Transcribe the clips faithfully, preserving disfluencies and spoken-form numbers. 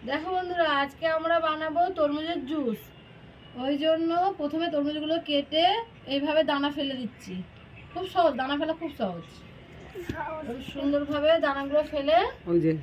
দেখো বন্ধুরা, আজকে আমরা বানাবো তরমুজের জুস। ওই জন্য প্রথমে তরমুজগুলো কেটে এইভাবে দানা ফেলে দিচ্ছি। খুব সহজ, দানা ফেলা খুব সহজ। সুন্দরভাবে দানাগুলো ফেলে ওই যে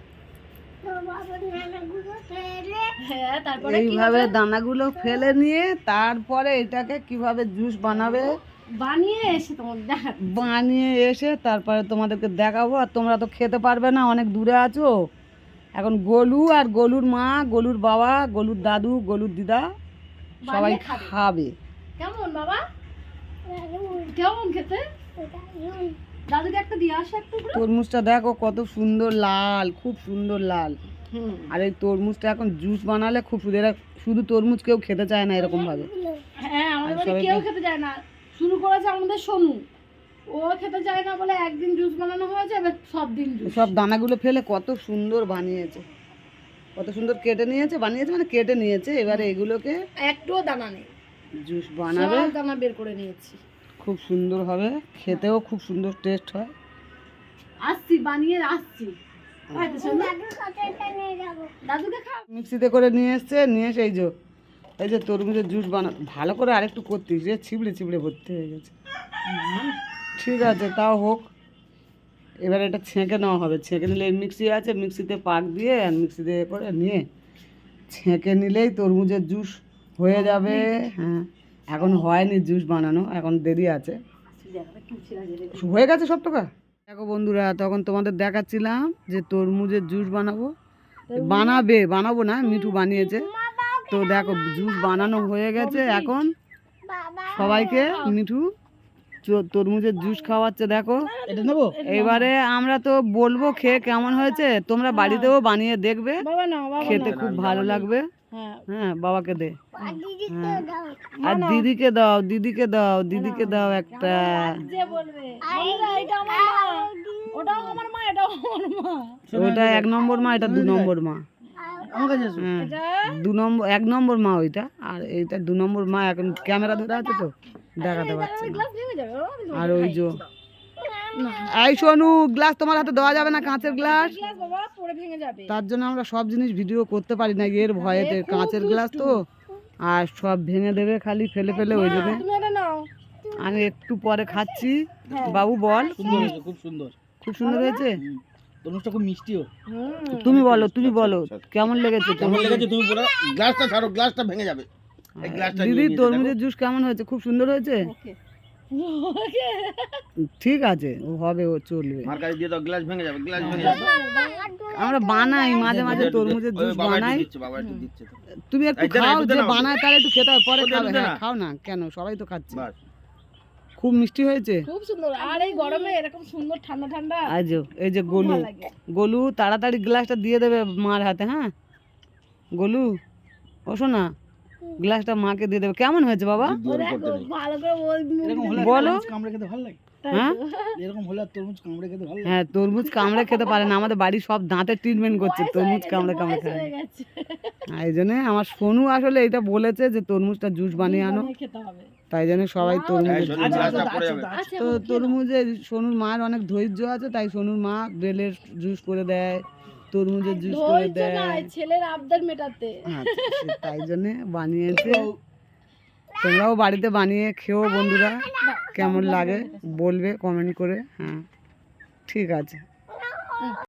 হ্যাঁ, তারপরে এইভাবে দানাগুলো ফেলে নিয়ে তারপরে এটাকে কিভাবে জুস বানাবে বানিয়ে এসে তোমাদের দেখা বানিয়ে এসে তারপরে তোমাদেরকে দেখাবো। আর তোমরা তো খেতে পারবে না, অনেক দূরে আছো। এখন গোলু আর গোলুর মা, গোলুর বাবা, গোলুর দাদু, গোলুর দিদা সবাই খাবে। কেমন বাবা? কেমন খেতে? দাদুকে একটা দিয়ে আসো একটু। তরমুজটা দেখো কত সুন্দর লাল, খুব সুন্দর লাল। আর এই তরমুজটা এখন জুস বানালে খুব সুন্দর। শুধু তরমুজ কেউ খেতে চায় না এরকম ভাবে। হ্যাঁ, আমাদের কেউ খেতে চায় না। শুরু করেছে আমাদের সোনু, ও খেতে চায় না বলে একদিন জুস বানানো হয়েছে, এবার সব দিন জুস। সব দানাগুলো ফেলে কত সুন্দর বানিয়েছে, কত সুন্দর কেটে নিয়েছে, বানিয়েছে মানে কেটে নিয়েছে। এবারে এগুলোকে একটুও দানা নেই, জুস বানাবে। সব দানা বের করে নিয়েছি, খুব সুন্দর হবে, খেতেও খুব সুন্দর টেস্ট হয়। আসছি, বানিয়ে আসছি। মিক্সিতে করে নিয়ে এসছে, নিয়ে এসে এই যে এই যে তরমুজের জুস বানা ভালো করে আরেকটু করতিস, যে ছিবড়ে ছিবড়ে ভর্তি হয়ে গেছে। ঠিক আছে, তাও হোক। এবার এটা ছেঁকে নেওয়া হবে। ছেঁকে নিলে মিক্সি আছে, মিক্সিতে পাক দিয়ে আর মিক্সি দিয়ে করে নিয়ে ছেঁকে নিলেই তরমুজের জুস হয়ে যাবে। হ্যাঁ, এখন হয়নি জুস বানানো, এখন দেরি আছে। হয়ে গেছে সব টাকা। দেখো বন্ধুরা, তখন তোমাদের দেখাচ্ছিলাম যে তরমুজের জুস বানাবো, বানাবে বানাবো না, মিঠু বানিয়েছে। তো দেখো জুস বানানো হয়ে গেছে। এখন সবাইকে মিঠু তরমুজের জুস খাওয়াচ্ছে। দেখো এবারে আমরা তো বলবো খেয়ে কেমন হয়েছে, তোমরা বাড়িতেও বানিয়ে দেখবে, খেতে খুব ভালো লাগবে। হ্যাঁ, বাবাকে দে, আর দিদিকে দাও, দিদিকে দাও, দিদিকে দাও একটা। ওইটা এক নম্বর মা, এটা দু নম্বর মা। দু নম্বর এক নম্বর মা ওইটা, আর এইটা দু নম্বর মা। এখন ক্যামেরা ধরে আছে তো দেখাতে পারছে না। আর ওই যে এই সোনু, গ্লাস তোমার হাতে দেওয়া যাবে না, কাঁচের গ্লাস। তার জন্য আমরা সব জিনিস ভিডিও করতে পারি না, এর ভয়েতে। কাঁচের গ্লাস তো, আর সব ভেঙে দেবে খালি ফেলে ফেলে। ওই জন্য আমি একটু পরে খাচ্ছি। বাবু বল। খুব সুন্দর, খুব সুন্দর হয়েছে। তরমুজটা খুব মিষ্টিও। তুমি বলো, তুমি বলো কেমন লেগেছে? কেমন লেগেছে তুমি বলো। গ্লাসটা ছাড়ো, গ্লাসটা ভেঙে যাবে। এই গ্লাসটা দিদি, তরমুজের জুস কেমন হয়েছে? খুব সুন্দর হয়েছে। ঠিক আছে, ও হবে, ও চলবে। মার কাছে দিয়ে দাও, গ্লাস ভেঙে যাবে, গ্লাস ভেঙে যাবে। আমরা বানাই মাঝে মাঝে তরমুজের জুস বানাই। বাবা একটু দিচ্ছে। তুমি একটু খাও, যে বানায় তার একটু খেতে হবে, পরে খাবে। হ্যাঁ, খাও না কেন, সবাই তো খাচ্ছে। খুব মিষ্টি হয়েছে, খুব সুন্দর। আর এই গরমে এরকম সুন্দর ঠান্ডা ঠান্ডা। আজ এই যে গোলু, গোলু তাড়াতাড়ি গ্লাসটা দিয়ে দেবে মার হাতে। হ্যাঁ গোলু, ও শোনা, গ্লাসটা মাকে দিয়ে দেবে। কেমন হয়েছে বাবা? বলো। হ্যাঁ, হ্যাঁ, তরমুজ কামড়ে খেতে পারে না। আমাদের বাড়ির সব দাঁতের ট্রিটমেন্ট করছে, তরমুজ কামড়ে কামড়ে খায়। এই জন্য আমার সোনু আসলে এটা বলেছে যে তরমুজটা জুস বানিয়ে আনো, তাই জন্য সবাই তরমুজ। তো তরমুজে সোনুর মার অনেক ধৈর্য আছে, তাই সোনুর মা বেলের জুস করে দেয়, তরমুজের জুস করে দেয়, ছেলের আবদার মেটাতে। তাই জন্য বানিয়েছে। তোমরাও বাড়িতে বানিয়ে খেও বন্ধুরা, কেমন লাগে বলবে কমেন্ট করে। হ্যাঁ, ঠিক আছে।